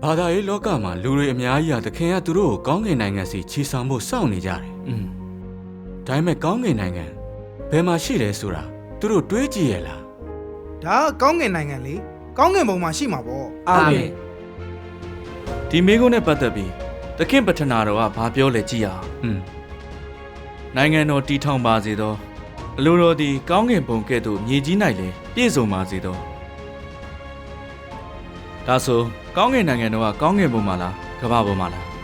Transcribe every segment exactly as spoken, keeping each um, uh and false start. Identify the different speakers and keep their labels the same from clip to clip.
Speaker 1: ဘာသာရေးလောကမှာလူတွေအများကြီးဟာသခင်ကသူတို့ကိုကောင်းကင်နိုင်ငံစီချီဆောင်ဖို့စောင့်နေကြတယ်။อืมဒါပေမဲ့ကောင်းကင်နိုင်ငံဘယ်မှာရှိလဲဆိုတာသူတို့တွေးကြည့်ရလား
Speaker 2: ။ဒါကကောင်းကင်နိုင်ငံလေ။ကောင်းကင်ဘုံမှာရှိမှာပေါ့
Speaker 3: ။အာမင်။ဒီမိကုန်းနဲ့ပတ်သက်ပြီးသခင်ပထနာတော်ကဘာပြောလဲကြည့်ရအောင်။อืมနိုင်ငံတော်တည်ထောင်ပါစေသောအလိုတော်သည်ကောင်းကင်ဘုံကဲ့သို့မြေကြီး၌လည်းပြည့်စုံပါစေသောဒါဆိုကောင်းကင်နိုင်ငံတော်ကကောင်းကင်ဘုံမှာလားကမ္ဘာဘုံမှာလား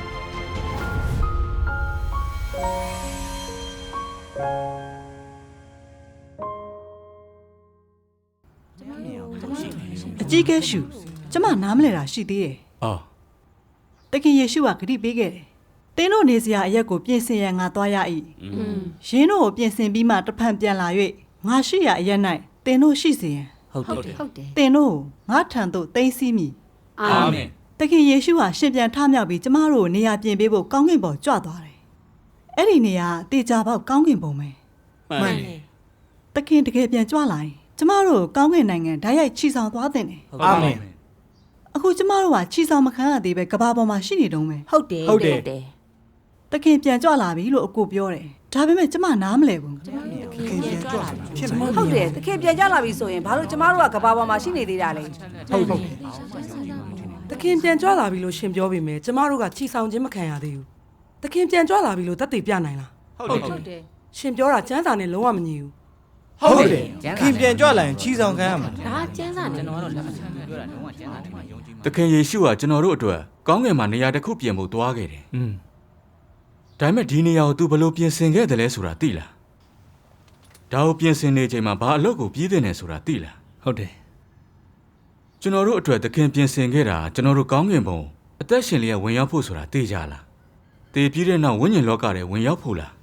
Speaker 4: အကြီးကဲရှုကျမနားမလဲတာရှိသေးတယ်။အော်တခင်ယေရှုကဂရုပေးခဲ့တယ်။တင်းတို့နေစရာအရက်ကိုပြင်ဆင်ရငါသွားရ၏။ရင်းတို့ကိုပြင်ဆင်ပြီးမှတဖန်ပြန်လာ၍ငါရှိရအရက်၌တင်းတို့ရှိစေရန်
Speaker 5: ဟုတ်တယ်ဟုတ်တယ်
Speaker 4: တင်းတို့ငါထံသို့သိမ်းဆည်းမည်
Speaker 5: အာမင်
Speaker 4: တခင်ယေရှုဟာရှင်ပြန်ထမြောက်ပြီးကျမတို့ကိုနေရာပြင်ပေးဖို့ကောင်းကင်ဘုံကြွသွားတယ်။အဲ့ဒီနေရာတေချာပေါက်ကောင်းကင်ဘုံပဲ
Speaker 5: မှန်တယ်
Speaker 4: တခင်တကယ်ပြန်ကြွလာရင်ကျမတို့ကောင်းကင်နိုင်ငံဓာတ်ရိုက်ချီဆောင်သွားတဲ့တယ်
Speaker 3: အာမင်
Speaker 4: အခုကျမတို့ကချီဆောင်မခံရသေးပဲကဘာပေါ်မှာရှိနေတုံးပဲ
Speaker 5: ဟုတ်တယ်ဟုတ်တယ်
Speaker 4: တခင်ပြန်ကြွလာပြီလို့အကိုပြောတယ်ဒါပေမဲ့ကျမနားမလဲဘူး
Speaker 2: တခင်ပြန်ကြွလာပြီဖြစ်မှာ
Speaker 6: ဟုတ်တယ်တခင်ပြန်ကြွလာပြီဆိုရင်ဘာလို့ကျမတို့ကကဘာပေါ်မှာရှိနေသေးတာလဲ
Speaker 2: ဟုတ်ဟုတ်
Speaker 7: တခင်ပြန်ကြွလာပြီလို့ရှင်ပြောပေမဲ့ကျမတို့ကချီဆောင်ခြင်းမခံရသေးဘူးတခင်ပြန်ကြွလာပြီလို့သက်သေပြနိုင်လား
Speaker 5: ဟုတ်တယ်ဟုတ်တယ်
Speaker 7: ရှင်ပြောတာကျမ်းစာနဲ့လုံးဝမညီဘူး
Speaker 2: ဟုတ်တယ်ခင်ပြန်ကြွလာရင်ချီဆောင်ခံရမှာ
Speaker 5: ဒါကျမ်းစာနဲ့ကျွန်တော်တော့လက်မခံဘူးပြောတာလုံးဝကျမ်းစာနဲ့ယုံကြည်
Speaker 1: သခင်ယေရှုကကျွန်တော်တို့အတွက်ကောင်းကင်မှာနေရာတစ်ခုပြင်ဖို့သွားခဲ့တယ်อืมဒါပေမဲ့ဒီနေရာကို तू ဘယ်လိုပြင်ဆင်ခဲ့တယ်လဲဆိုတာသိလားဒါကိုပြင်ဆင်နေချိန်မှာဘာအလုပ်ကိုပြီးတဲ့နေဆိုတာသိလား
Speaker 3: ဟုတ်တယ်
Speaker 1: ကျွန်တော်တို့အတွက်သခင်ပြင်ဆင်ခဲ့တာကျွန်တော်တို့ကောင်းကင်ဘုံအသက်ရှင်လျက်ဝင်ရောက်ဖို့ဆိုတာသိကြလားသိပြီးတဲ့နောက်ဝိညာဉ်လောကထဲဝင်ရောက်ဖို့လား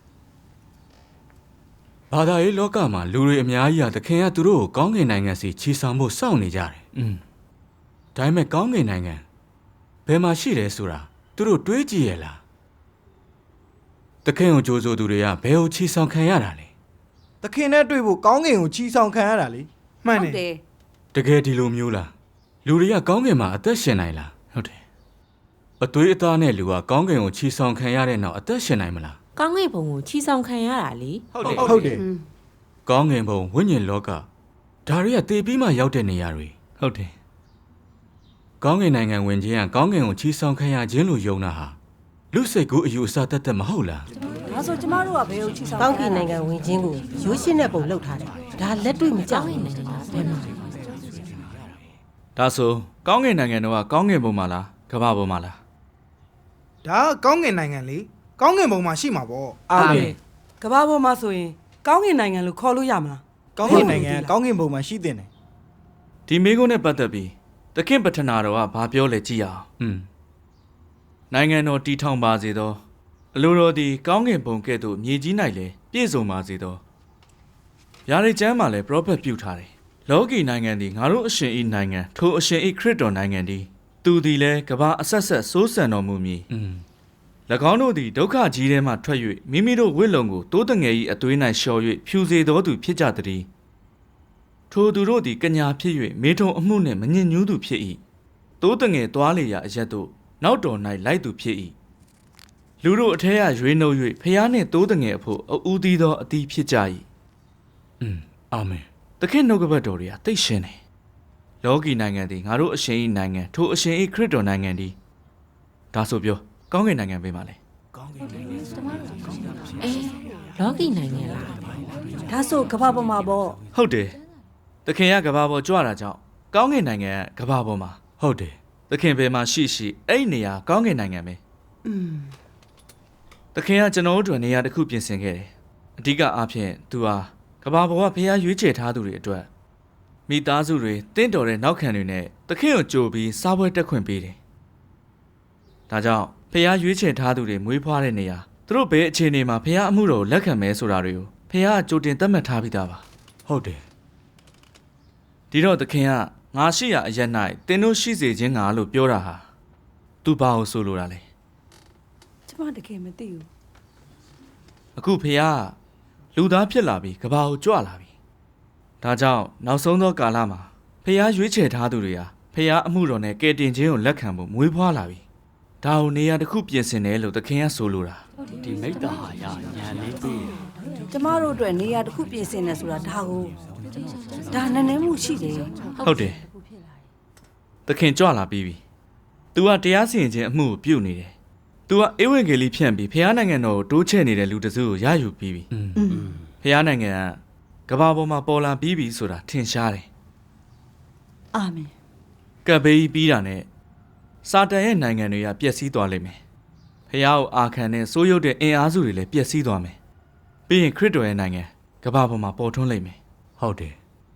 Speaker 1: ဘာသာရေးလောကမှာလူတွေအများကြီးဟာသခင်ကသူတို့ကိုကောင်းကင်နိုင်ငံစီချီဆောင်ဖို့စောင့်နေကြတယ်อืมဒါပေမဲ့ကောင်းကင်နိုင်ငံဘယ်မှာရှိလဲဆိုတာသူတို့တွေးကြည့်ရလားသခင်ကိုကြိုးဆိုသူတွေကဘယ်ကိုချီဆောင်ခံရတာလဲ
Speaker 2: သခင်နဲ့တွေ့ဖို့ကောင်းကင်ကိုချီဆောင်ခံရတာလေမှန်တယ်
Speaker 1: တကယ်ဒီလိုမျိုးလားလူတွေကကောင်းကင်မှာအသက်ရှင်နိုင်လား
Speaker 3: ဟုတ်တယ်
Speaker 1: အသွေးအသားနဲ့လူကကောင်းကင်ကိုချီဆောင်ခံရတဲ့နောက်အသက်ရှင်နိုင်မလား
Speaker 5: ကောင်းကင်ဘုံကိုချီဆောင်ခံရတာလေ
Speaker 2: ဟုတ်တယ်ဟုတ်တယ်
Speaker 1: ကောင်းကင်ဘုံဝိညာဉ်လောကဒါတွေကတည်ပြီးမှရောက်တဲ့နေရာတွေ
Speaker 3: ဟုတ်တယ်
Speaker 1: ကောင်းကင်နိုင်ငံဝင်ခြင်းကကောင်းကင်ကိုချီဆောင်ခံရခြင်းလို့ယုံတာဟာလူစိတ်ကူးအယူအဆတတ်တတ်မဟုတ်လား
Speaker 6: ဒါဆိုကျမတို့ကဘယ်ကိုချီဆောင်
Speaker 8: ကောင်းကင်နိုင်ငံဝင်ခြင်းကိုရိုးရှင်းတဲ့ပုံလောက်ထားတယ်ဒါလက်တွေ့မကြောက်ဘူးဘယ်မှာ
Speaker 3: ဒါဆိုကောင်းကင်နိုင်ငံတော်ကကောင်းကင်ဘုံမှာလားကမ္ဘာဘုံမှာလား
Speaker 2: ဒါကကောင်းကင်နိုင်ငံလေကောင်းကင်ဘုံမှာရှိမှာပေါ့
Speaker 7: အာမင်ကမ္ဘာပေါ်မှာဆိုရင်ကောင်းကင်နိုင်ငံလို့ခေါ်လို့ရမလား
Speaker 2: ကောင်းကင်နိုင်ငံကောင်းကင်ဘုံမှာရှိတဲ့နေ
Speaker 3: ဒီမိကုန်းနဲ့ပတ်သက်ပြီးသခင်ပထနာတော်ကဘာပြောလဲကြည့်ရအောင်อืมနိုင်ငံတော်တည်ထောင်ပါစေသောအလိုတော်သည်ကောင်းကင်ဘုံကဲ့သို့မြေကြီး၌လည်းပြည့်စုံပါစေသောဗျာဒိတ်ကျမ်းမှာလည်းပရောဖက်ပြုထားတယ်လောကီနိုင်ငံသည်ငါတို့အရှင်၏နိုင်ငံထိုအရှင်၏ခရစ်တော်နိုင်ငံသည်သူသည်လည်းကမ္ဘာအဆက်ဆက်စိုးစံတော်မူမည်อืม၎င်းတို့သည်ဒုက္ခကြီးထဲမှထွက်၍မိမိတို့ဝိလုံကိုတိုးတငယ်၏အသွေး၌လျှော်၍ဖြူစေတော်သူဖြစ်ကြသည်ထိုသူတို့သည်ကညာဖြစ်၍မေထုံအမှုနှင့်မညစ်ညူးသူဖြစ်၏တိုးတငယ်သွားလေရာအရက်တို့နောက်တော်၌လိုက်သူဖြစ်၏လူတို့အထက်ကရွေးနှုတ်၍ဖျားနှင့်တိုးတငယ်အဖို့အဦးသီးသောအသီးဖြစ်ကြ၏
Speaker 1: อืมအာမင်
Speaker 3: သခင်နှုတ်ကပတ်တော်တွေကသိရှင်တယ်လောကီနိုင်ငံသည်ငါတို့အရှင်၏နိုင်ငံထိုအရှင်၏ခရစ်တော်နိုင်ငံသည်ဒါဆိုပြောကောင်းကင်နိုင်ငံပေးပါလေ
Speaker 2: ကောင်းကင်နိုင်ငံ
Speaker 5: အေးလောကီနိုင်ငံလား
Speaker 6: ဒါဆိုကဘာပေါ်မှာပေါ့
Speaker 3: ဟုတ်တယ်သခင်ကကဘာပေါ်ကြွတာကြောင့်ကောင်းကင်နိုင်ငံကကဘာပေါ်မှာ
Speaker 1: ဟုတ်တယ်
Speaker 3: သခင်ဘယ်မှာရှိရှိအဲ့နေရာကောင်းကင်နိုင်ငံပဲ
Speaker 4: อืม
Speaker 3: သခင်ကကျွန်တော်တို့နေရာတစ်ခုပြင်ဆင်ခဲ့တယ်အဓိကအားဖြင့်သူဟာကဘာပေါ်ကဖျားရွေးချယ်ထားသူတွေအတွက်မိသားစုတွေတင့်တော်တဲ့နောက်ခံတွေနဲ့သခင်ကိုကြိုပြီးစားပွဲတက်ခွင့်ပေးတယ်ဒါကြောင့်ဖျားရွေးချယ်ထားသူတွေမွေးဖွားတဲ့နေရာသူတို့ဘယ်အခြေအနေမှာဖျားအမှုတော်ကိုလက်ခံမဲဆိုတာတွေကိုဖျားကကြိုတင်သတ်မှတ်ထားပြီးသားပါ
Speaker 1: ဟုတ်တယ်
Speaker 3: ဒီတော့သခင်ကငါရှိရာအရက်၌တင်းတို့ရှိစေခြင်းငါလို့ပြောတာဟာသူဘာကိုဆိုလိုတာလဲ
Speaker 6: ကျမတကယ်မသိဘူး
Speaker 3: အခုဖျားလူသားဖြစ်လာပြီးကဘာကိုကြွလာပြီဒါကြောင့်နောက်ဆုံးသောကာလမှာဖျားရွေးချယ်ထားသူတွေဟာဖះအမှုတော်နဲ့ကယ်တင်ခြင်းကိုလက်ခံဖို့မွေးဖွားလာပြီဒါကိုနေရာတစ်ခုပြင်ဆင်တယ်လို့သခင်ကဆိုလိုတာ
Speaker 5: ဒီမိတ္တာဟာရညာလေးပေး
Speaker 6: ကျမတို့အတွက်နေရာတစ်ခုပြင်ဆင်နေဆိုတာဒါကိုဒါနည်းနည်းမှုရှိတယ်
Speaker 3: ဟုတ်တယ်သခင်ကြွလာပြီးပြီ तू ကတရားစီရင်ခြင်းအမှုကိုပြုတ်နေတယ် तू ကဧဝံဂေလိဖြန့်ပြီးဖះနိုင်ငံတော်ကိုတိုးချဲ့နေတဲ့လူတစုကိုရယူပြီးပြီဖះနိုင်ငံကကဘာပေါ်မှာပေါ်လာပြီးပြီဆိုတာထင်ရှားတယ်
Speaker 4: အာမင်
Speaker 3: ကပ်ဘေးပြီးတာနဲ့စာတန်ရဲ့နိုင်ငံတွေကပျက်စီးသွားလိမ့်မယ်ဖះကိုအာခံတဲ့စိုးရုပ်တဲ့အင်အားစုတွေလည်းပျက်စီးသွားမယ်ပြီးရင်ခရစ်တော်ရဲ့နိုင်ငံကဘာပေါ်မှာပေါ်ထွန်းလိမ့်မယ်
Speaker 1: ဟုတ်တယ်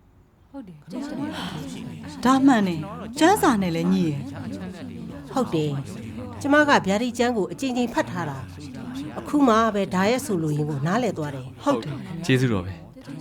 Speaker 4: ဒါမှန်နေကျန်းစာနဲ့လည်းညီရယ်
Speaker 8: ဟုတ်တယ်ကျမကဗျာဒိတ်ကျမ်းကိုအကြိမ်ကြိမ်ဖတ်ထားတာအခုမှပဲဒါရဲ့ဆိုလိုရင်းကိုနားလည်သွားတယ်
Speaker 4: ဟုတ်တယ်
Speaker 3: ကျေးဇူးတော်ပဲ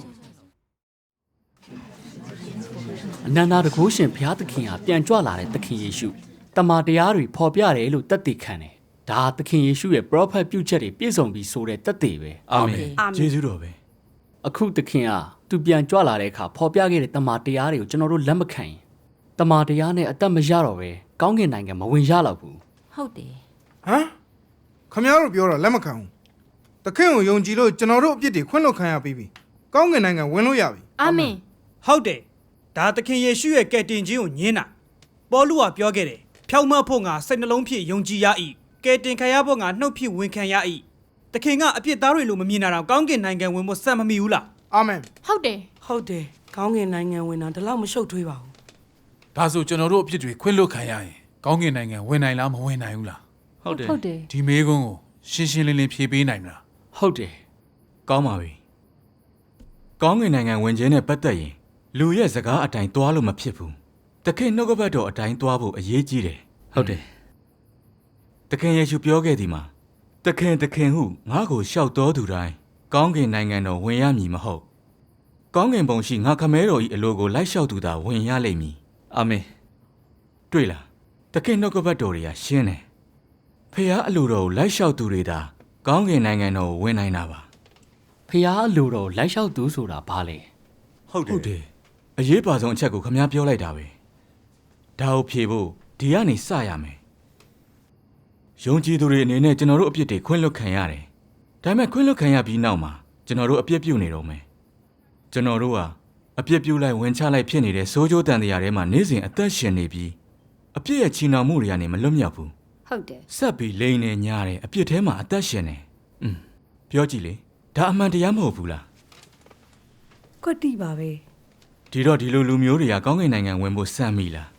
Speaker 5: အနန္တတကုရှင်ဘုရားသခင်ဟာပြန်ကြွလာတဲ့သခင်ယေရှုတမန်တရားတွေဖော်ပြတယ်လို့သက်သေခံတယ်ဒါသခင်ယေရှုရဲ့ prophet ပြုချက်တွေပြည့်စုံပြီးဆိုတဲ့သက်သေပဲ
Speaker 3: အာမင်
Speaker 1: ကျေးဇူးတော်ပဲ
Speaker 5: အခုသခင်ကသူပြန်ကြွလာတဲ့အခါဖော်ပြခဲ့တဲ့တမန်တရားတွေကိုကျွန်တော်တို့လက်မခံရင်တမန်တရားနဲ့အသက်မရတော့ပဲကောင်းကင်နိုင်ငံမဝင်ရတော့ဘူး
Speaker 8: ဟုတ်တယ်
Speaker 2: ဟမ်ခမရတို့ပြောတော့လက်မခံဘူးတခင်ကိုယုံကြည်လို့ကျွန်တော်တို့အပြစ်တွေခွင့်လွှတ်ခံရပြီးပြီကောင်းကင်နိုင်ငံဝင်လို့ရပြီ
Speaker 9: အာမင်ဟုတ်တယ်ဒါသခင်ယေရှုရဲ့ကယ်တင်ခြင်းကိုညင်းတာပေါလုကပြောခဲ့တယ်ဖြောင့်မတ်ဖို့ငါစိတ်နှလုံးဖြင့်ယုံကြည်ရ၏ကယ်တင်ခံရဖို့ငါနှုတ်ဖြင့်ဝန်ခံရ၏သခင်ကအပြစ်သားတွေလိုမမြင်တာတော့ကောင်းကင်နိုင်ငံဝင်ဖို့စံမမီဘူးလား
Speaker 2: အာမင်
Speaker 9: ဟုတ်တယ်
Speaker 7: ဟုတ်တယ်ကောင်းကင်နိုင်ငံဝင်တာဒီလောက်မရှုပ်ထွေးပါဘူး
Speaker 10: ဒါဆိုကျွန်တော်တို့အဖြစ်တွေခွင့်လွှတ်ခံရရင်ကောင်းကင်နိုင်ငံဝင်နိုင်လားမဝင်နိုင်ဘူးလား
Speaker 3: ဟုတ်တယ်
Speaker 8: ဟုတ်တယ်
Speaker 10: ဒီမေးခွန်းကိုရှင်းရှင်းလင်းလင်းဖြေပေးနိုင်မလား
Speaker 5: ဟုတ်တယ်
Speaker 1: ကောင်းပါပြီကောင်းကင်နိုင်ငံဝင်ခြင်းနဲ့ပတ်သက်ရင်လူရဲ့စကားအတိုင်းသွားလို့မဖြစ်ဘူးတခင်နှုတ်ကပတ်တော်အတိုင်းသွားဖို့အရေးကြီးတယ်
Speaker 3: ဟုတ်တယ်
Speaker 1: တခင်ယေရှုပြောခဲ့သည်မှာတခင်တခင်ဟုငါ့ကိုလျှောက်တော်သူတိုင်းကောင်းကင်နိုင်ငံတော်ဝင်ရမည်မဟုတ်ကောင်းကင်ဘုံရှိငါခမဲတော်၏အလိုကိုလိုက်လျှောက်သူသာဝင်ရလိမ့်မည်
Speaker 3: အာမင်
Speaker 1: တွေ့လားတခင်နှုတ်ကပတ်တော်တွေကရှင်းတယ်ဖះအလိုတော်ကိုလိုက်လျှောက်သူတွေသာကောင်းကင်နိုင်ငံတော်ကိုဝင်နိုင်တာပါ
Speaker 5: ဖះအလိုတော်လိုက်လျှောက်သူဆိုတာဘာလဲ
Speaker 1: ဟုတ်တယ်အရေးပါဆုံးအချက်ကိုခမ ्या ပြောလိုက်တာပဲဒါကိုဖြေဖို့ဒီကနေစရမယ်ယုံကြည်သူတွေအနေနဲ့ကျွန်တော်တို့အပြစ်တွေခွင့်လွှတ်ခံရတယ်ဒါပေမဲ့ခွင့်လွှတ်ခံရပြီးနောက်မှာကျွန်တော်တို့အပြစ်ပြုနေတော့မယ်ကျွန်တော်တို့ဟာအပြစ်ပြုလိုက်ဝင်ချလိုက်ဖြစ်နေတဲ့စိုးကြိုးတန်တရားထဲမှာနေ့စဉ်အသက်ရှင်နေပြီးအပြစ်ရဲ့ချီနှောင်မှုတွေကနေမလွတ်မြောက်ဘူး
Speaker 6: ဟုတ်တယ်
Speaker 1: ဆက်ပြီးလိန်နေညားတယ်အပြစ်ထဲမှာအသက်ရှင်နေอืมပြောကြည့်လေဒါအမှန်တရားမဟုတ်ဘူးလား
Speaker 6: ကွတ်တိပါပဲ
Speaker 1: ဒီတော့ဒီလိုလူမျိုးတွေကကောင်းကင်နိုင်ငံဝင်ဖို့စံမိလား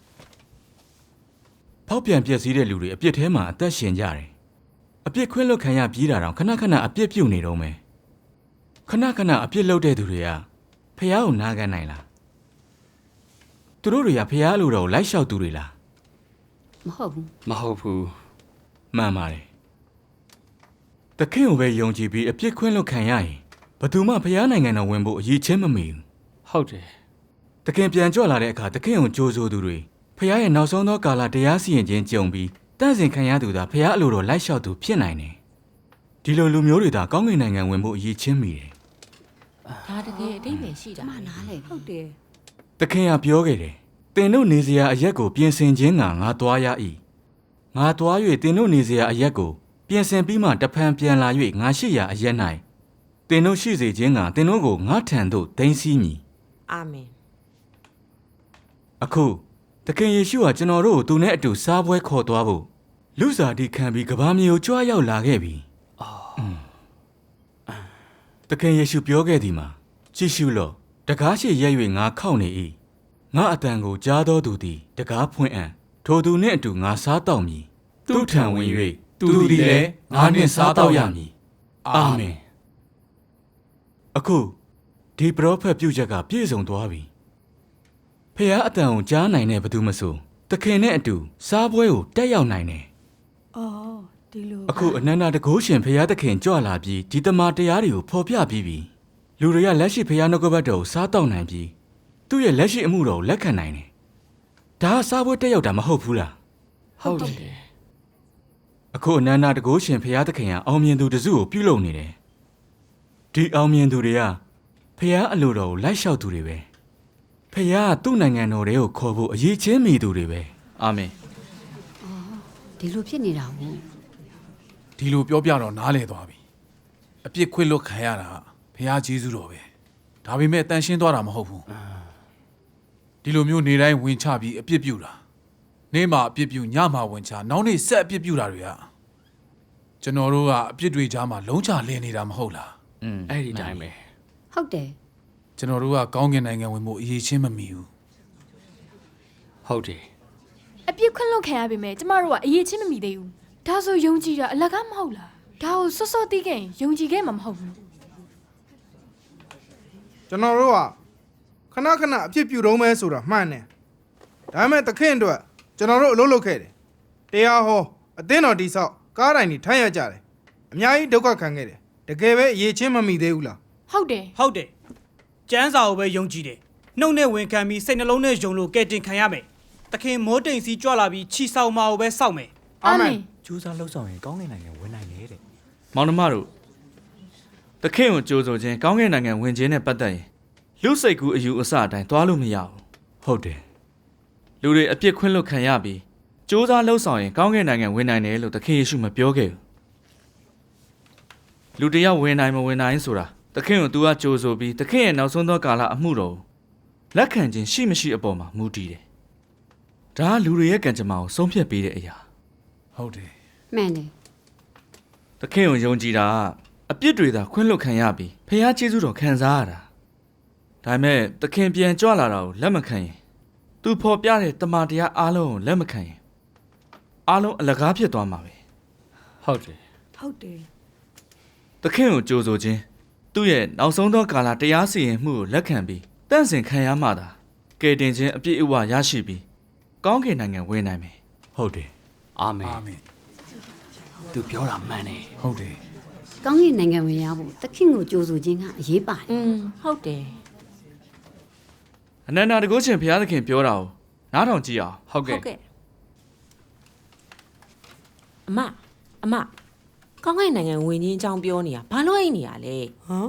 Speaker 1: ဖောက်ပြန်ပျက်စီးတဲ့လူတွေအပြစ်ထဲမှာအသက်ရှင်ကြတယ်အပြစ်ခွင့်လွတ်ခံရပြီးတာတော့ခဏခဏအပြစ်ပြုတ်နေတော့မယ်ခဏခဏအပြစ်လုပ်တဲ့သူတွေကဖះကိုနားခံနိုင်လားသူတို့တွေကဖះလိုတော့လိုက်လျှောက်သူတွေလား
Speaker 8: မဟုတ်ဘူး
Speaker 5: မဟုတ်ဘူး
Speaker 1: မှန်ပါတယ်တခင်ကိုပဲယုံကြည်ပြီးအပြစ်ခွင့်လွတ်ခံရရင်ဘယ်သူမှဖះနိုင်ငံတော်ဝင်ဖို့အရေးချင်းမမီဘူး
Speaker 5: ဟုတ်တယ်
Speaker 1: တခင်ပြန်ကြွလာတဲ့အခါတခင်ကိုကြိုးဆိုသူတွေဖះရဲ့နောက်ဆုံးသောကာလတရားစီရင်ခြင်းကြုံပြီးတန့်စင်ခံရသူသာဖះအလိုတော်လိုက်လျှောက်သူဖြစ်နိုင်တယ်ဒီလိုလူမျိုးတွေသာကောင်းကင်နိုင်ငံဝင်ဖို့အရေးချင်းမိတယ်
Speaker 8: ဒါတကယ်အတိတ်ပဲရှိတာမနားလေ
Speaker 6: ဟုတ်တယ်
Speaker 1: တခင်ကပြောခဲ့တယ်တင်တို့နေစရာအရက်ကိုပြင်ဆင်ခြင်းကငါသွားရ၏ငါသွား၍တင်တို့နေစရာအရက်ကိုပြင်ဆင်ပြီးမှတဖန်ပြန်လာ၍ငါရှိရာအရက်၌တင်တို့ရှိစေခြင်းကတင်တို့ကိုငါထံသို့ဒိမ်းစီးမည်
Speaker 8: အာမင်
Speaker 1: အခုတခင်ယေရှုဟာကျွန်တော်တို့ကိုသူနဲ့အတူစားပွဲခေါ်သွားဖို့လူစားတိခံပြီးကဘာမြေကိုကြွားရောက်လာခဲ့ပြီအော်တခင်ယေရှုပြောခဲ့သည်မှာကြည့်ရှုလော့တကားရှိရဲ၍ငါခောက်နေ၏ငါအတန်ကိုကြားတော်သူသည်တကားဖွင့်အံ့ထိုသူနှင့်အတူငါစားတောက်မည်သူထံဝင်၍သူသည်လည်းငါနှင့်စားတောက်ရမည်အာမင်အခုဒီပရောဖက်ပြုချက်ကပြည့်စုံသွားပြီဖះအတန်ကိုကြားနိုင်တဲ့ဘသူမဆိုတခင်နဲ့အတူစားပွဲကိုတက်ရောက်နိုင်တယ်
Speaker 4: အော်ဒီလို
Speaker 1: အခုအနန္တတကုရှင်ဖះသခင်ကြွလာပြီးဒီတမန်တရားတွေကိုဖော်ပြပြီးပြီလူတွေကလက်ရှိဖះနှုတ်ကပတ်တော်ကိုစားတောက်နိုင်ပြီးသူ့ရဲ့လက်ရှိအမှုတော်ကိုလက်ခံနိုင်တယ်ဒါကစားပွဲတက်ရောက်တာမဟုတ်ဘူးလား
Speaker 5: ဟုတ်တယ်
Speaker 1: အခုအနန္တတကုရှင်ဖះသခင်ကအောင်မြင်သူတစုကိုပြုလုပ်နေတယ်ဒီအောင်မြင်သူတွေကဖះအလိုတော်ကိုလိုက်လျှောက်သူတွေပဲဖះသူ့နိုင်ငံတော်တွေကိုခေါ်ဖို့အရေးချင်းမိသူတွေပဲ
Speaker 3: အာမင်
Speaker 11: ဒီလိုဖြစ်နေတာဟုတ်
Speaker 10: ဒီလိုပြောပြတော့နားလဲသွားပြီအပြစ်ခွင့်လွတ်ခံရတာဖះဂျေဇုတော်ပဲဒါပေမဲ့တန်ရှင်းသွားတာမဟုတ်ဘူးဒီလိုမျိုးနေတိုင်းဝင်ချပြီးအပြစ်ပြုတာနေ့မှာအပြစ်ပြုညမှာဝင်ချနောက်နေ့ဆက်အပြစ်ပြုတာတွေကကျွန်တော်တို့ကအပြစ်တွေကြားမှာလုံးချလည်နေတာမဟုတ်လား
Speaker 5: อืมအဲ့ဒီတိုင်းပဲ
Speaker 11: ဟုတ်တယ်
Speaker 10: ကျွန်တော်တို့ကကောင်းကင်နိုင်ငံဝင်ဖို့အရေးချင်းမမီဘူး
Speaker 5: ဟုတ်တယ်
Speaker 12: အပြစ်ခွင့်လွတ်ခံရပေမဲ့ကျမတို့ကအရေးချင်းမမိသေးဘူးဒါဆိုယုံကြည်တာအလကားမဟုတ်လားဒါကိုစောစောသိခဲ့ရင်ယုံကြည်ခဲ့မှာမဟုတ်ဘူး
Speaker 2: ကျွန်တော်တို့ကခဏခဏအဖြစ်ပြုတော့မဲဆိုတာမှန်တယ်ဒါပေမဲ့သခင်အတွက်ကျွန်တော်တို့အလုပ်လုပ်ခဲ့တယ်တရားဟောအသင်းတော်တိဆောက်ကားတိုင်းတွေထိုင်ရကြတယ်အများကြီးဒုက္ခခံခဲ့တယ်တကယ်ပဲအရေးချင်းမမိသေးဘူးလား
Speaker 12: ဟုတ်တယ်
Speaker 9: ဟုတ်တယ်ကျမ်းစာကိုပဲယုံကြည်တယ်နှုတ်နဲ့ဝင်ခံပြီးစိတ်နှလုံးနဲ့ယုံလို့ကဲတင်ခံရမယ်သခင်မိုးတိမ်စီကြွလာပြီးခြိဆောင်မှာကိုပဲစောက်မယ်
Speaker 12: အာမင်
Speaker 13: ကျူးစားလှုပ်ဆောင်ရင်ကောင်းကင်နိုင်ငံဝင်နိုင်တယ်တဲ့
Speaker 3: မောင်နှမတို့တခင်ကိုကြိုးဆိုခြင်းကောင်းကင်နိုင်ငံဝင်ခြင်းနဲ့ပတ်သက်ရင်လူစိတ်ကူးအယူအဆအတိုင်းသွားလို့မရဘူး
Speaker 1: ဟုတ်တယ်
Speaker 3: လူတွေအပြစ်ခွင့်လွတ်ခံရပြီးစူးစမ်းလှုပ်ဆောင်ရင်ကောင်းကင်နိုင်ငံဝင်နိုင်တယ်လို့သခင်ယေရှုမပြောခဲ့ဘူးလူတယောက်ဝင်နိုင်မဝင်နိုင်ဆိုတာသခင်ကို तू ကကြိုးဆိုပြီးသခင်ရဲ့နောက်ဆုံးသောကာလအမှုတော်လက်ခံခြင်းရှိမရှိအပေါ်မှာမူတည်တယ်ဒါကလူတွေရဲ့ကံကြမ္မာကိုဆုံးဖြတ်ပေးတဲ့အရာ
Speaker 10: ဟုတ်တယ်
Speaker 11: မှန်တယ်
Speaker 3: သခင်ကိုယုံကြည်တာကအပြစ်တွေသာခွင့်လွတ်ခံရပြီးဖခင်ကျေးဇူးတော်ခံစားရတာဒါပေမဲ့သခင်ပြန်ကြွလာတာကိုလက်မခံရင်သူဖော်ပြတဲ့တမန်တရားအားလုံးကိုလက်မခံရင်အားလုံးအလကားဖြစ်သွားမှာပဲ
Speaker 5: ဟုတ်တယ်
Speaker 7: ဟုတ်တယ်
Speaker 3: သခင်ကိုကြိုးဆိုခြင်းသူ့ရဲ့နောက်ဆုံးသောကာလတရားစီရင်မှုကိုလက်ခံပြီးတန့်စင်ခံရမှသာကယ်တင်ခြင်းအပြည့်အဝရရှိပြီးကောင်းကင်နိုင်ငံဝင်နိုင်မယ်
Speaker 1: ဟုတ်တယ်
Speaker 5: အာမင်
Speaker 10: အာမင်
Speaker 5: သူပြောတာမှန်တယ်
Speaker 10: ဟုတ်တယ်
Speaker 11: ကောင်းကင်နိုင်ငံဝင်ရဖို့သခင်ကိုကြိုးဆိုခြင်းကအရေးပါတယ်
Speaker 6: อืมဟုတ်တယ်
Speaker 3: အနန္တတကုရှင်ဘုရားသခင်ပြောတာကိုနားထောင်ကြည့်အောင်ဟုတ်ကဲ့
Speaker 14: အမအမကောင်းကင်နိုင်ငံဝင်ချင်းအကြောင်းပြောနေတာဘာလို့အိတ်နေရလဲ
Speaker 7: ဟမ်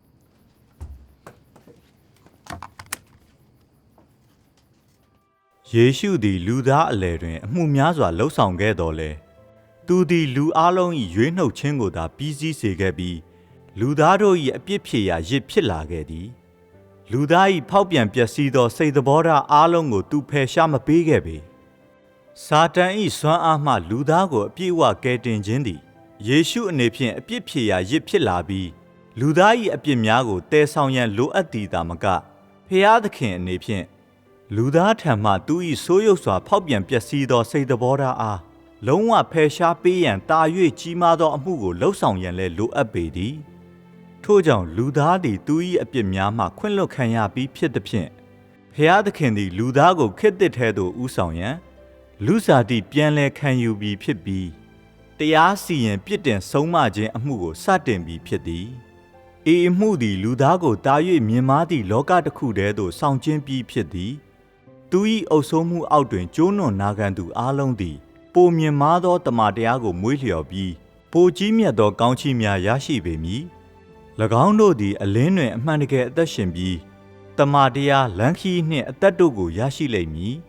Speaker 15: ယေရှုသည်လူသားအလယ်တွင်အမှုများစွာလှုပ်ဆောင်ခဲ့တော်လဲသူသည်လူအလုံး၏ရွေးနှုတ်ခြင်းကိုသာပြီးစီးစေခဲ့ပြီးလူသားတို့၏အပြစ်ဖြေရာရစ်ဖြစ်လာခဲ့သည်လူသား၏ဖောက်ပြန်ပျက်စီးသောစိတ်သဘောထားအလုံးကိုသူဖယ်ရှားမပေးခဲ့ပေစာတန်၏စွမ်းအားမှလူသားကိုအပြည့်အဝကယ်တင်ခြင်းသည်ယေရှုအနေဖြင့်အပြစ်ဖြေရာရစ်ဖြစ်လာပြီးလူသား၏အပြစ်များကိုတည်ဆောင်ရန်လိုအပ်သည်သာမကဖျားသခင်အနေဖြင့်လူသားထံမှသူ၏ဆိုးရုပ်စွာဖောက်ပြန်ပျက်စီးသောစိတ်သဘောထားအားလုံးဝဖယ်ရှားပေးရန်တာ၍ကြီးမားသောအမှုကိုလှုပ်ဆောင်ရန်လည်းလိုအပ်ပေသည်ထို့ကြောင့်လူသားသည်သူ၏အပြစ်များမှခွင့်လွှတ်ခံရပြီးဖြစ်သည်ဖြင့်ဖျားသခင်သည်လူသားကိုခေတ်သစ်ထဲသို့ဦးဆောင်ရန်လူစားတိပြန်လည်ခံယူပြီးဖြစ်ပြီးတရားစီရင်ပြစ်တင်ဆုံးမခြင်းအမှုကိုစတင်ပြီးဖြစ်သည်ဤအမှုသည်လူသားကိုတာ၍မြင်မာသည့်လောကတစ်ခုတည်းသို့ဆောင်ကျဉ်ပြီးဖြစ်သည်သူ၏အုပ်စိုးမှုအောက်တွင်ကျိုးနွံနာခံသူအလုံးသည်ပိုမြင်မာသောတမန်တရားကိုမွေးလျော်ပြီးပိုကြီးမြတ်သောကောင်းချီးများရရှိပေမည်၎င်းတို့သည်အလင်းတွင်အမှန်တကယ်အသက်ရှင်ပြီးတမန်တရားလမ်းခီးနှင့်အသက်တို့ကိုရရှိလိမ့်မည်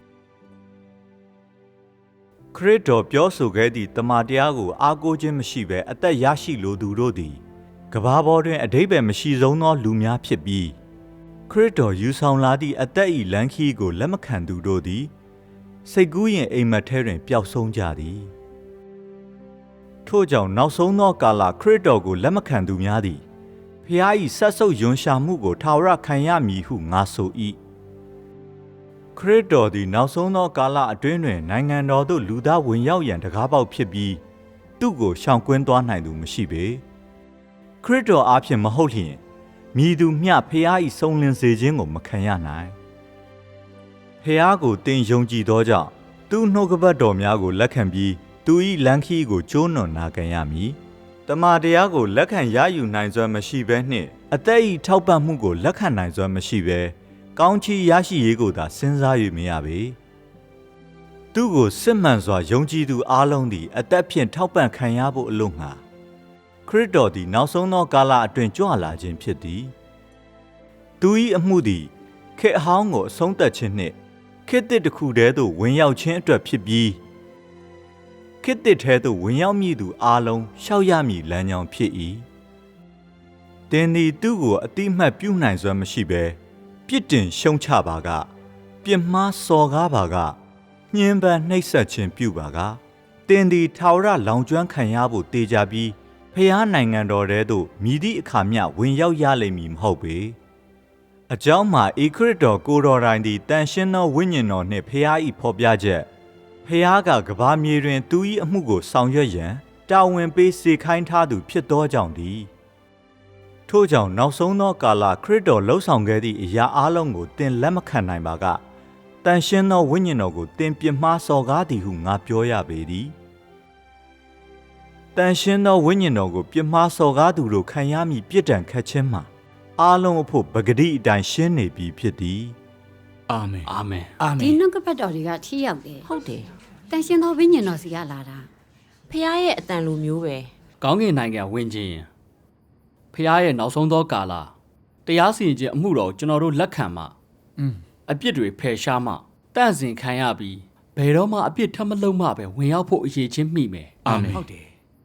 Speaker 15: ခရစ်တော်ပြောဆိုခဲ့သည့်တမန်တရားကိုအားကိုးခြင်းမရှိဘဲအသက်ရရှိလိုသူတို့သည်ကမ္ဘာပေါ်တွင်အဓိပ္ပာယ်မရှိဆုံးသောလူများဖြစ်ပြီးခရစ်တော်ယူဆောင်လာသည့်အသက်၏လမ်းခီးကိုလက်မခံသူတို့သည်စိတ်ကူးရင်အိမ်မက်ထဲတွင်ပျောက်ဆုံးကြသည်ထို့ကြောင့်နောက်ဆုံးသောကာလခရစ်တော်ကိုလက်မခံသူများသည်ဖျား၏ဆက်ဆုပ်ယွန်ရှာမှုကိုထာဝရခံရမည်ဟုငါဆို၏ခရစ်တော်သည်နောက်ဆုံးသောကာလအတွင်းတွင်နိုင်ငံတော်သို့လူသားဝင်ရောက်ရန်တကားပေါက်ဖြစ်ပြီးသူ့ကိုရှောင်ကွင်းသွားနိုင်သူမရှိပေခရစ်တော်အားဖြင့်မဟုတ်လျှင်မည်သူမျှဖျား၏ဆုံးလင်းစေခြင်းကိုမခံရနိုင်ဖျားကိုတင်ယုံကြည်သောကြောင့်သူ့နှုတ်ကပတ်တော်များကိုလက်ခံပြီးသူ၏လမ်းခီးကိုကျိုးနွံနာခံရမည်တမန်တရားကိုလက်ခံရယူနိုင်စွမ်းမရှိဘဲနှင့်အသက်၏ထောက်ပံ့မှုကိုလက်ခံနိုင်စွမ်းမရှိဘဲကောင်းချီးရရှိရေးကိုသာစဉ်းစား၍မရပေသူ့ကိုစစ်မှန်စွာယုံကြည်သူအလုံးသည်အသက်ဖြင့်ထောက်ပံ့ခံရဖို့အလို့ငှာခရစ်တော်သည်နောက်ဆုံးသောကာလအတွင်းကြွလာခြင်းဖြစ်သည်သူ၏အမှုသည်ခေတ်အဟောင်းကိုအဆုံးသတ်ခြင်းနှင့်ခေတ်သစ်တစ်ခုတည်းသို့ဝင်ရောက်ခြင်းအတွက်ဖြစ်ပြီးခေတ်သစ်ထဲသို့ဝင်ရောက်မည်သူအားလုံးရှောက်ရမည်လမ်းကြောင်းဖြစ်၏တင်သည်သူ့ကိုအတိအမှတ်ပြုနိုင်စွမ်းမရှိဘဲပြစ်တင်ရှုံချပါကပြစ်မှားစော်ကားပါကညှဉ်းပန်းနှိပ်စက်ခြင်းပြုပါကတင်သည်ထာဝရလောင်ကျွမ်းခံရဖို့တေချာပြီးဖျားနိုင်ငံတော်ထဲသို့မြည်သည့်အခါမျှဝင်ရောက်ရလိမ့်မည်မဟုတ်ပေအကြောင်းမှာဧခရစ်တော်ကိုတော်တိုင်သည်တန်ရှင်းသောဝိညာဉ်တော်နှင့်ဖျား၏ဖော်ပြချက်ဖျားကကဘာမြေတွင်သူ၏အမှုကိုဆောင်ရွက်ရန်တာဝန်ပေးစေခိုင်းထားသူဖြစ်သောကြောင့်သည်ထို့ကြောင့်နောက်ဆုံးသောကာလခရစ်တော်လှုပ်ဆောင်ခဲ့သည့်အရာအလုံးကိုသင်လက်မခံနိုင်ပါကတန်ရှင်းသောဝိညာဉ်တော်ကိုသင်ပြစ်မှားစော်ကားသည်ဟုငါပြောရပေသည်တန်ရှင်းသောဝိညာဉ်တော်ကိုပြစ်မှားစော်ကားသူတို့ခံရမည်ပြစ်ဒဏ်ခတ်ခြင်းမှာအားလုံးအဖို့ပဂတိအတိုင်းရှင်းနေပြီဖြစ်သည်
Speaker 1: အာမင်
Speaker 5: အာမင်
Speaker 1: အာမင်
Speaker 11: ဒီနှုတ်ကပတ်တော်တွေကထိရောက်တယ်
Speaker 14: ဟုတ်တယ်
Speaker 11: တန်ရှင်သောဝိညာဉ်တော်စီကလာတာ
Speaker 14: ဖះရဲ့အတန်လိုမျိုးပဲ
Speaker 5: ကောင်းကင်နိုင်ငံဝင်ခြင်းဖះရဲ့နောက်ဆုံးသောကာလတရားစီရင်ခြင်းအမှုတော်ကျွန်တော်တို့လက်ခံမှอืมအပြစ်တွေဖယ်ရှားမှတန့်စင်ခံရပြီးဘယ်တော့မှအပြစ်ထပ်မလုပ်မှပဲဝင်ရောက်ဖို့အရေးချင်းမိမယ်
Speaker 1: အာမင်
Speaker 9: ဟုတ်တယ်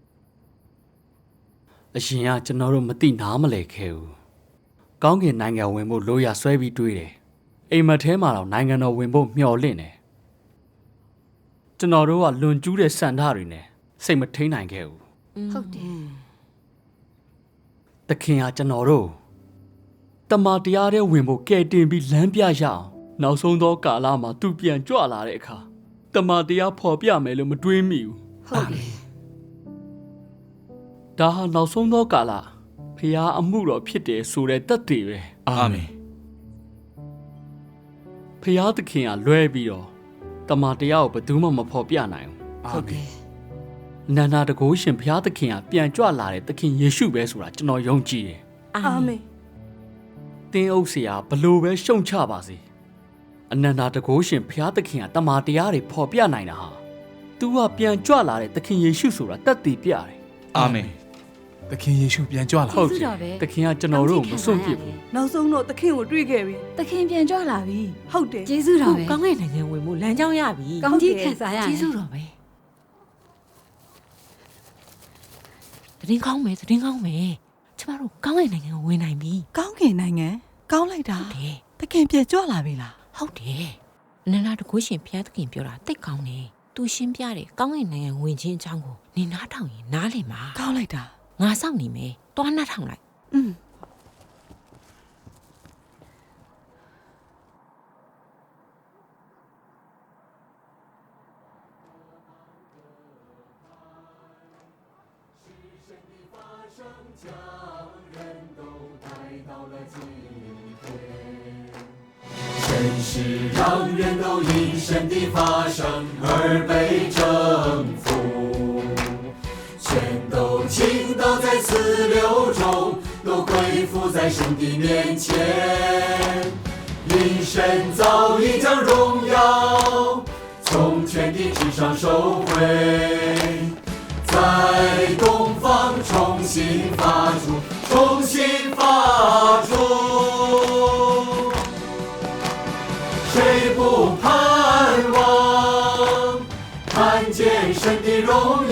Speaker 5: အရှင်ကကျွန်တော်တို့မသိနားမလဲခဲ့ဘူးကောင်းကင်နိုင်ငံဝင်ဖို့လိုရဆွဲပြီးတွေးတယ်အိမ်မက်ထဲမှာတော့နိုင်ငံတော်ဝင်ဖို့မျှော်လင့်တယ်ကျွန်တော်တို့ကလွန်ကျူးတဲ့စံဓာတ်တွေနဲ့စိတ်မထိန်နိုင်ခဲ့ဘူး
Speaker 11: ဟုတ်တယ်
Speaker 5: သခင်ကကျွန်တော်တို့တမန်တရားတဲ့ဝင်ဖို့ကဲတင်ပြီးလမ်းပြရအောင်နောက်ဆုံးသောကာလမှာသူပြန်ကြွလာတဲ့အခါတမန်တရားဖော်ပြမယ်လို့မတွေးမိဘူး
Speaker 11: ဟုတ်တယ်
Speaker 5: ဒါဟာနောက်ဆုံးသောကာလဖျားအမှုတော်ဖြစ်တယ်ဆိုတဲ့သက်သေပဲ
Speaker 1: အာမင်
Speaker 5: ဖျားသခင်ကလွဲပြီးတော့တမန်တရားကိုဘယ်သူမှမဖော်ပြနိုင်ဘူး
Speaker 1: ဟုတ်တယ်
Speaker 5: နန္ဒာတကိုးရှင်ဖျားသခင်ကပြန်ကြွလာတဲ့သခင်ယေရှုပဲဆိုတာကျွန်တော်ယုံကြည်တယ်
Speaker 7: အာမင်
Speaker 5: သင်အုပ်ဆရာဘလို့ပဲရှုံချပါစေအနန္ဒာတကိုးရှင်ဖျားသခင်ကတမန်တရားတွေဖော်ပြနိုင်တာဟာသူကပြန်ကြွလာတဲ့သခင်ယေရှုဆိုတာသက်သေပြတယ်
Speaker 1: အာမင်
Speaker 10: သခင်ယေရှုပြန်ကြွလာ
Speaker 5: ဟုတ်တယ်သခင်ကကျွန်တော်တို့ကိုမစွန့်ပစ်ဘူး
Speaker 7: နောက်ဆုံးတော့သခင်ကိုတွေ့ခဲ့ပြီ
Speaker 12: သခင်ပြန်ကြွလာပြီ
Speaker 7: ဟုတ်တယ်
Speaker 11: ကျေးဇူးတော်ပဲ
Speaker 14: ကောင်းကင်နိုင်ငံဝင်မှုလမ်းကြောင်းရပြီ
Speaker 11: ကောင်းကြီးခံစားရ
Speaker 14: ကျေးဇူးတော်ပဲတရင်ကောင်းမယ်တရင်ကောင်းမယ်ကျမတို့ကောင်းကင်နိုင်ငံကိုဝင်နိုင်ပြီ
Speaker 4: ကောင်းကင်နိုင်ငံကောင်းလိုက်တာ
Speaker 14: ဟုတ်တယ်
Speaker 4: သခင်ပြန်ကြွလာပြီလား
Speaker 14: ဟုတ်တယ်နန္ဒာတကိုးရှင်ဘုရားသခင်ပြောတာတိတ်ကောင်းတယ်သူရှင်းပြတယ်ကောင်းကင်နိုင်ငံဝင်ခြင်းအကြောင်းကိုနင်နားထောင်ရင်နားလည်မှာ
Speaker 4: ကောင်းလိုက်တာ
Speaker 14: ငါစောင့်နေမယ်တွားနားထောင်လိုက်
Speaker 4: อืม
Speaker 16: 真是让人都因神的发生而被征服，全都倾倒在此流中，都归附在神的面前。因神早已将荣耀从天地之上收回，在东方重新发出，重新发出。谁不盼望看见神的荣